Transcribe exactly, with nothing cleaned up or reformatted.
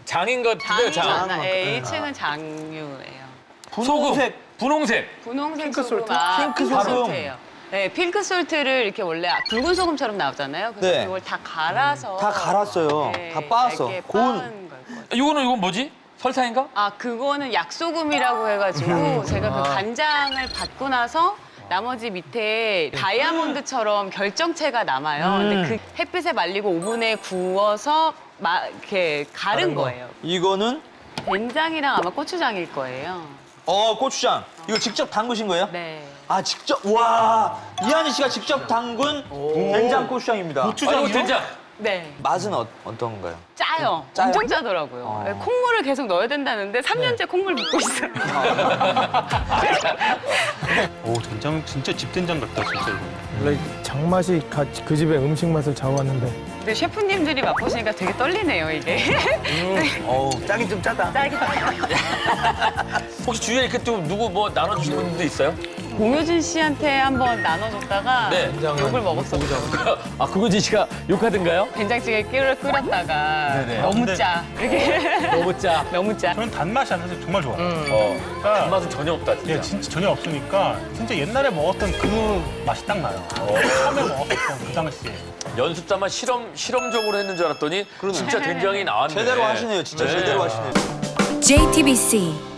장인 것 같은데요, 장이 장. 많아. 예, 일 층은 장유예요. 분홍색. 분홍색. 분홍색 핑크 소금, 솔트? 아, 핑크 핑크 소금. 솔트예요. 네, 핑크 솔트를 이렇게 원래 붉은 소금처럼 나오잖아요. 그래서 네. 이걸 다 갈아서 다 갈았어요. 네, 다 빻았어. 얇게 고운. 빻은 걸 거예요. 이거는 이건 뭐지? 설탕인가? 아, 그거는 약소금이라고 해가지고 제가 그 간장을 받고 나서 나머지 밑에 다이아몬드처럼 결정체가 남아요. 근데 그 햇빛에 말리고 오븐에 구워서 마, 이렇게 가른 거예요. 이거는 된장이랑 아마 고추장일 거예요. 어 고추장. 이거 직접 담그신 거예요? 네. 아 직접 와 이한희 씨가 직접 담근 된장 고추장입니다. 아, 이거 된장. 네. 맛은 어, 어떤가요? 짜요. 짜요? 엄청 짜더라고요. 네, 콩물을 계속 넣어야 된다는데 삼 년째 콩물 붓고 있어요. 오, 된장 진짜 집 된장 같다, 진짜 이거. 원래 장맛이 가- 그 집의 음식 맛을 좌우하는데 근데 셰프님들이 맛보시니까 되게 떨리네요, 이게. 어우 짜긴 좀 짜다. 짜기 혹시 주위에 이렇게 또 누구 뭐 나눠주신 분도 있어요? 공효진 씨한테 한번 나눠줬다가 네. 욕을 먹었었죠. 아, 그거진 씨가 욕하던가요? 된장찌개 끓여, 끓였다가 네네. 너무 근데- 짜. 이렇게 너무 짜. 너무 짜. 저는 단맛이 안 나서 정말 좋아요. 어. 그러니까 단맛은 전혀 없다, 진짜. 예, 진짜 전혀 없으니까 진짜 옛날에 먹었던 그 맛이 딱 나요. 처음에 먹었던 그 당시에. 연습자만 실험, 실험적으로 했는 줄 알았더니 진짜 된장이 나왔네. 제대로 하시네요. 진짜 네. 제대로 하시네요. 제이티비씨